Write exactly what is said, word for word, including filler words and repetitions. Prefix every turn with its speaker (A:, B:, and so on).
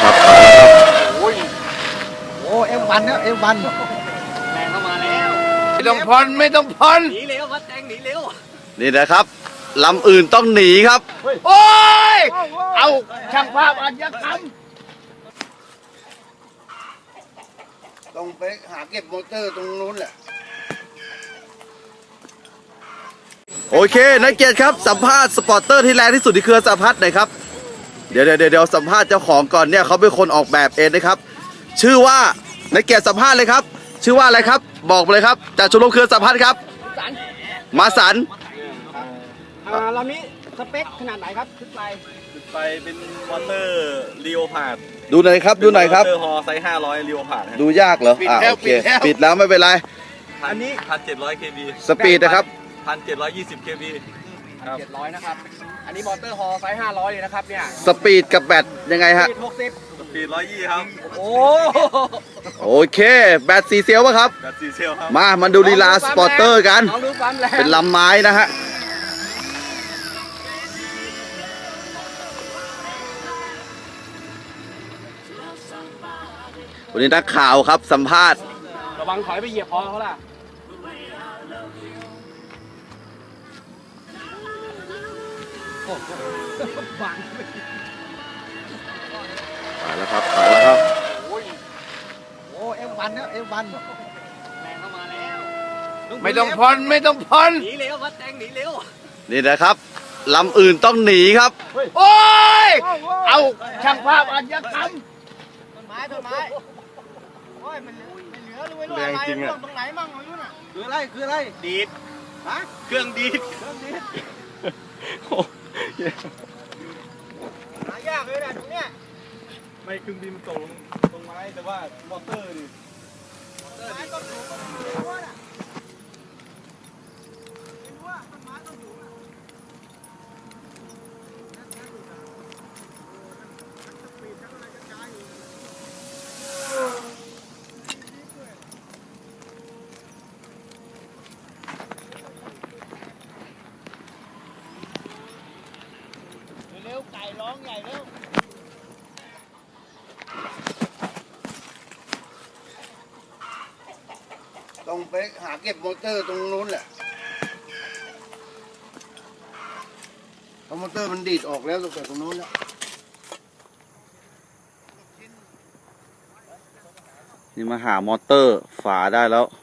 A: ครับไปแล้วครับ
B: โอ้ยโอ้เอ็มวันเนี่ยเอ็มวัน
C: แรงเข้ามาแล้ว
A: ไม่ต้องผ่อนไม่ต้องผ่อน
C: หนีเร็ววัดแจงหนีเร็ว
A: นี่นะครับลำอื่นต้องหนีครับโอ้ยเอาช่างภาพอัญญกรรมต้องไปหาเก็บมอเตอร์ตรงนู้นแหละโอเคนักเกียรติครับสัมภาษณ์สปอร์ตเตอร์ที่แรงที่สุดที่เครือสัมภาษณ์หน่อยครับเดี๋ยวเดี๋ยวเดี๋ยวสัมภาษณ์เจ้าของก่อนเนี่ยเขาเป็นคนออกแบบเองนะครับชื่อว่านักเกียรติสัมภาษณ์เลยครับชื่อว่าอะไรครับบอกเลยครับจากชมรมเครือสัมภาษณ์ครับมาสัน
C: อ่าลำนี้สเปคขนาดไหนครับขึ้นไป
D: ขึ้นไปเป็นมอเตอร์ลีโอพาร์ด
A: ดูหน่อยครับดูหน่อยครับ
D: มอเตอร์ฮอไซส์ห้าร้อยลีโอพาร์ด
A: ดูยากเหรออ่าโอเคปิดแล้วไม่เป็นไร
D: อันนี้พันเจ็ดร้อยเคบี
A: สปีดนะครับ
D: พันเจ็ดร้อยยี่สิบเคบี
C: เจ็ดร้อยนะครับอันนี้มอเตอร์ฮอไซส์ห้าร้อยเลยนะครับเนี่ย
A: สปีดกับแบตยังไงฮะ
C: หกสิบ
D: สปีดร้อยยี่ครับ
C: โอ้
A: โอเคแบตสี่เซลล์ป่ะครับ
D: แบตสี่เซลล์ครับ
A: มามันดูลีลาสปอร์เตอร์กันเป็นลำไม้นะฮะวันนี้นักข่าวครับสัมภาษณ์
C: ระวังถอยไปเหยียบคอเขาล่ะ
A: ไปแล้วครับไปแล้วครับ
B: โอ้ยโอ้เอ็มวันเนี่ยเอ็มวัน
C: แรงเข้ามาแล้ว
A: ไม่ต้องผ่อนไม่ต้องผ่อน
C: หนีเร็ววัดแจงหนีเร็ว
A: นี่นะครับลำอื่นต้องหนีครับโอ้ยเอาช่างภาพอัญญกรรม
C: ต้นไม้ต้นไม้โอ้ยมันไม่เหลือเลยไม่รู้อะไรร่วงตรงไหนมั่งไม่รู้น่ะ
B: คืออะไรคืออะไร
D: ดีด
C: ฮะ
D: เครื่องดีด
C: เครื่องดีดหายากเลยนะตรงเนี้ย
D: ไม่เครื่องบินมันตกลงตรงไม้แต่ว่ามอเตอร์นี่
C: มอเตอร์นี่ต้นสูงต้นสูงน่ะไม่รู้ว่าต้นไม้ต้นสูงน่ะเร็วไก่ร้องใหญ่เร็ว
A: ต้องไปหาเก็บมอเตอร์ตรงนู้นแหละเพราะมอเตอร์มันดีดออกแล้วตั้งแต่ตรงนู้นแล้วนี่มาหามอเตอร์ฝาได้แล้ว